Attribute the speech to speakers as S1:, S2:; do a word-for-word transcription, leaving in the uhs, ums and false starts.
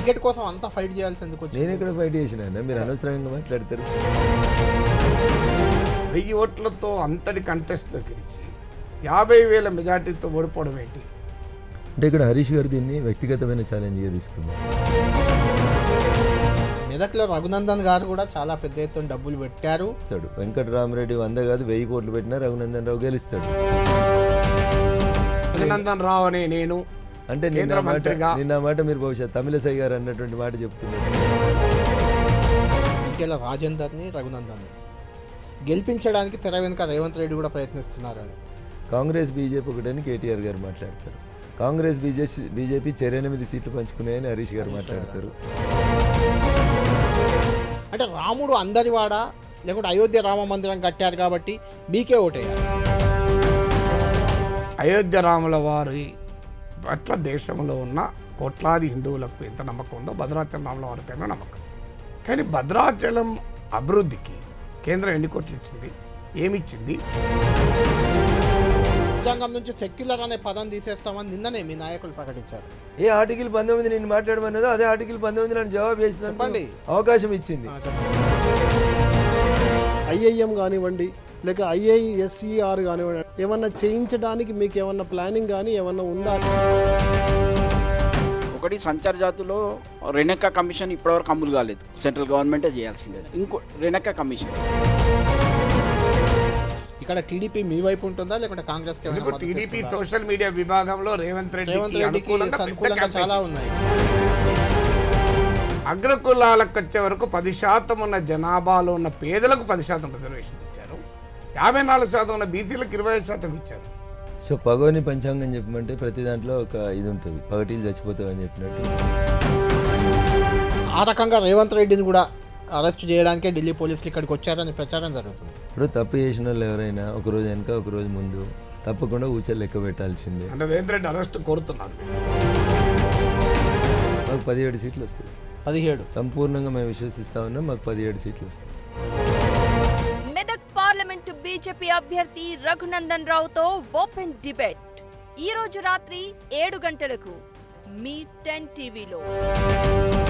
S1: Ticket కోసం అంత fight చేయాల్సి ఎందుకు వచ్చింది?
S2: నేను ఇక్కడ ఫైట్ చేసిన, మీరు అనవసరంగా మాట్లాడతారు.
S3: వెయ్యి ఓట్లతో అంతటి కంటెస్ట్లో గెలిచి యాభై వేల మెజార్టీతో ఓడిపోవడం ఏంటి?
S2: అంటే ఇక్కడ హరీష్ గారు దీన్ని వ్యక్తిగతమైన ఛాలెంజ్గా తీసుకున్నారు.
S1: మెదక్లో రఘునందన్ గారు కూడా చాలా పెద్ద ఎత్తున డబ్బులు పెట్టారు.
S2: వెంకటరామరెడ్డి వంద కాదు వెయ్యి కోట్లు పెట్టినా రఘునందన్ రావు గెలుస్తాడు.
S3: రఘునందన్ రావు అనే నేను
S2: అంటే నిన్న మాట నిన్న మాట మీరు బహుశా తమిళసై గారు అన్నటువంటి మాట చెప్తున్నారు.
S1: ఈకెల రాజేందర్ని రఘునందన్ని గెలిపించడానికి తెర వెనుక రేవంత్ రెడ్డి కూడా ప్రయత్నిస్తున్నారు అని
S2: కాంగ్రెస్ బీజేపీ ఒకటని కేటీఆర్ గారు మాట్లాడతారు. కాంగ్రెస్ బీజేపీ బీజేపీ చెరెనిమిది సీట్లు పంచుకున్నాయని హరీష్ గారు మాట్లాడతారు.
S1: అంటే రాముడు అందరివాడ లేకుంటే అయోధ్య రామ మందిరం కట్టారు కాబట్టి మీకే ఓటేయాలి.
S3: అయోధ్య రాముల వారి పట్ల దేశంలో ఉన్న కోట్లాది హిందువులకు ఎంత నమ్మకం ఉందో భద్రాచలం రాముల వారి పైన నమ్మకం. కానీ భద్రాచలం అభివృద్ధికి కేంద్రం ఎన్ని కోట్లు ఇచ్చింది, ఏమిచ్చింది?
S1: రాజ్యాంగం నుంచి సెక్యులర్ అనే పదం తీసేస్తామని నిన్ననే మీ నాయకులు ప్రకటించారు.
S2: ఏ ఆర్టికల్ పంతొమ్మిది నేను మాట్లాడమన్నదో అదే ఆర్టికల్ పంతొమ్మిది నన్ను జవాబు చేసిందండి, అవకాశం ఇచ్చింది.
S4: ఐఐఎం కానివ్వండి లేక ఐఐఎస్ఈఆర్ కానివ్వండి, ఏమన్నా చేయించడానికి మీకు ఏమన్నా ప్లానింగ్ కానీ ఏమన్నా ఉందా?
S5: ఒకటి సంచార జాతులో రెనెక్కా కమిషన్ ఇప్పటివరకు అమలు కాలేదు, సెంట్రల్ గవర్నమెంటే చేయాల్సిందే. ఇంకో రెనెక్కా కమిషన్
S1: ఇక్కడ టీడీపీ మీ వైపు ఉంటుందా లేకుంటే కాంగ్రెస్?
S3: టీడీపీ సోషల్ మీడియా విభాగంలో రేవంత్ రెడ్డికి
S1: అనుకూలంగా చాలా ఉన్నాయి.
S3: అగ్రకులాలకు వచ్చే వరకు పది శాతం ఉన్న జనాభాలో ఉన్న పేదలకు పది శాతం రిజర్వేషన్ ఇచ్చారు. యాభై నాలుగు శాతం ఉన్న బీసీలకు ఇరవై ఐదు శాతం ఇచ్చారు.
S2: సో పగోని పంచాంగం చెప్పమంటే ప్రతి దాంట్లో ఒక ఇది ఉంటుంది, పగటీలు చచ్చిపోతావు అని చెప్పినట్టు.
S1: ఆ రకంగా రేవంత్ రెడ్డిని కూడా అరెస్ట్ చేయడానికే ఢిల్లీ పోలీసులు ఇక్కడికి వచ్చారని ప్రచారం జరుగుతుంది.
S2: ఇప్పుడు తప్పు చేసిన వాళ్ళు ఎవరైనా ఒకరోజు వెనక ఒకరోజు ముందు తప్పకుండా ఊచలు లెక్క పెట్టాల్సిందే.
S3: అంటే రేవంత్ రెడ్డి అరెస్ట్ కోరుతున్నారు.
S2: మాకు పదిహేడు సీట్లు వస్తాయి.
S1: పదిహేడు
S2: సంపూర్ణంగా మేము విశ్వసిస్తా ఉన్నాం, మాకు పదిహేడు సీట్లు వస్తాయి.
S6: మెదక్ పార్లమెంటు బీజేపీ అభ్యర్థి రఘునందన్ రావుతో ఓపెన్ డిబేట్ ఈ రోజు రాత్రి ఏడు గంటలకు మీ టెన్ టీవీలో.